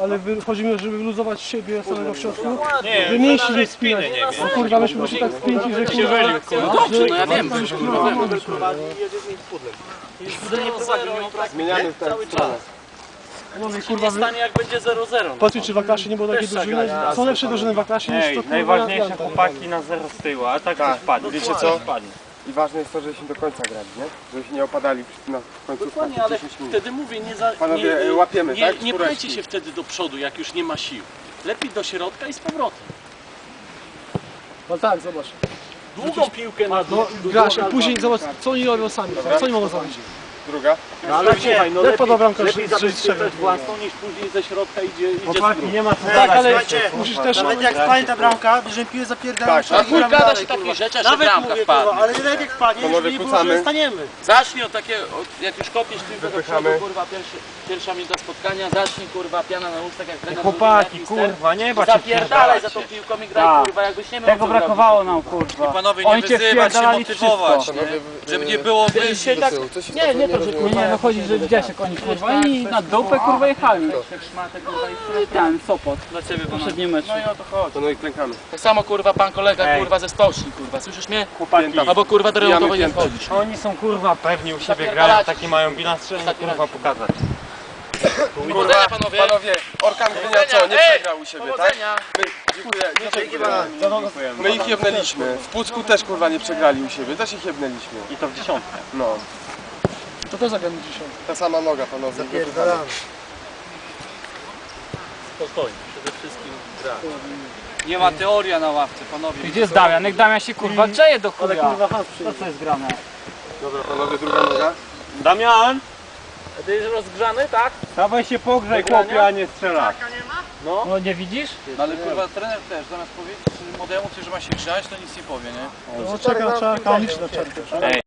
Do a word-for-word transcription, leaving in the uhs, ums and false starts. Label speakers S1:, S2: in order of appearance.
S1: ale wy, chodzi mi o, żeby wyluzować siebie samego w środku,
S2: Nie,
S1: żeby mięśni nie spinać. No kurwa, myśmy poszli tak spięci, że kurwa...
S3: No dobrze, no ja wiem.
S4: Zmieniamy w tę stronę.
S1: No i
S3: Nie
S1: kurwa, wy...
S3: stanie jak będzie zero zero.
S1: Patrzcie, czy w Aklasie nie było takiej drużyny. Są lepsze drużyny w Aklasie niż to
S2: Ej,
S1: kurwa...
S2: najważniejsze
S1: Janka.
S2: chłopaki na zero z tyłu, a tak
S4: Tak.
S2: to spadnie.
S4: Wiecie co?
S2: Spadnie.
S4: I ważne jest to, żebyśmy do końca grali, nie? Żebyśmy nie opadali na końcu
S3: Dokładnie, ale wtedy mówię, nie za...
S4: Panowie,
S3: nie,
S4: łapiemy,
S3: nie,
S4: tak?
S3: nie
S4: Czwóreczki.
S3: pchajcie się wtedy do przodu, jak już nie ma sił. Lepiej do środka i z powrotem.
S1: No tak, zobacz.
S3: Długą piłkę na
S1: No, grasz, a później zobacz, co oni robią sami. Co oni mogą zrobić?
S4: Druga.
S3: No ale słuchaj, no
S1: Jak pada bramka,
S3: lepiej
S1: że- że
S3: zabezpieczać
S1: strzelił?
S3: własną niż później ze środka idzie, idzie z
S2: Chłopaki,
S3: góry.
S2: nie ma co
S1: Tak, ale
S5: Słuchajcie,
S1: musisz też...
S5: nawet jak wpadnie ta bramka, bierzemy piłę, zapierdalamy.
S4: Tak,
S3: A chuj gada się takich rzeczy, że
S5: Nawet
S3: bramka
S5: mówię,
S3: wpadnie.
S5: kurwa, ale nawet jak wpadnie,
S4: Panowie,
S5: żeby nie było,
S4: kucamy.
S5: że staniemy.
S3: Zacznij od takie, od, jak już kopiesz piłkę do
S4: Wypychamy.
S3: przodu, kurwa, pierwszy, pierwsza minuta spotkania, zacznij, kurwa, piana na ustach, jak trener
S2: Chłopaki,
S3: mówi, jak
S2: kurwa, nie bać się
S3: zapierdalaj za tą
S2: wpierdalacie.
S3: piłką i graj,
S2: Tak.
S3: kurwa, jakbyś nie miał
S2: Tego
S3: co
S2: brakowało nam, kurwa.
S6: Panowie, nie
S2: Oni cię
S6: wyzywać, się
S2: wpierdalali
S6: motywować,
S2: wszystko.
S6: nie? Żeby nie było
S3: zrobić.
S6: wyjść.
S3: Się tak, nie, nie to, że
S2: Nie,
S3: kurwa,
S2: nie, no chodzi, że widziałeś jak oni kurwa i na dupę kurwa jechali.
S3: szmatę, kurwa, i
S2: Ten Sopot,
S3: dla ciebie,
S2: poprzedni mecz.
S3: No i o to chodzi.
S4: To no i klękamy.
S3: Tak samo, kurwa, pan kolega,
S2: Ej.
S3: kurwa, ze stoczni, kurwa, słyszysz mnie?
S2: Chłopaki,
S3: Albo, kurwa, do remontowej nie
S4: piętę.
S3: wchodzisz.
S2: oni są kurwa pewni u siebie,
S3: Zapierdalacie
S2: grają,
S3: się.
S2: taki mają bilans, trzeba im, kurwa pokazać.
S3: Powodzenia, panowie!
S4: Panowie, Orkan Gdynia co? Nie
S3: Ej,
S4: przegrał u siebie, tak?
S3: Powodzenia!
S4: My, dziękuję, dziękuję. My ich jebnęliśmy. W Pucku też kurwa nie przegrali u siebie, też ich jebnęliśmy.
S2: I to w dziesiątkę.
S4: No.
S1: To też zagramy dzisiaj.
S4: Ta sama noga, panowie.
S5: Zapierdalamy.
S3: Spokojnie, przede wszystkim gra.
S6: Nie ma teoria na ławce, panowie.
S2: Gdzie jest Damian? Jak Damian się kurwa grzeje do
S1: Ale
S2: chuja.
S1: kurwa, has
S2: To
S1: przyjdzie.
S2: co jest grane?
S4: Dobra, panowie, druga noga.
S2: Damian!
S3: A ty jest rozgrzany, tak?
S2: Dawaj się pogrzej chłopie, a nie strzelać. No nie widzisz?
S6: No ale kurwa trener też, zamiast powiedzieć młodemu, że ma się grzać, to nic nie powie, nie?
S1: No czeka, czeka, liczy na czerpę.
S2: Ej.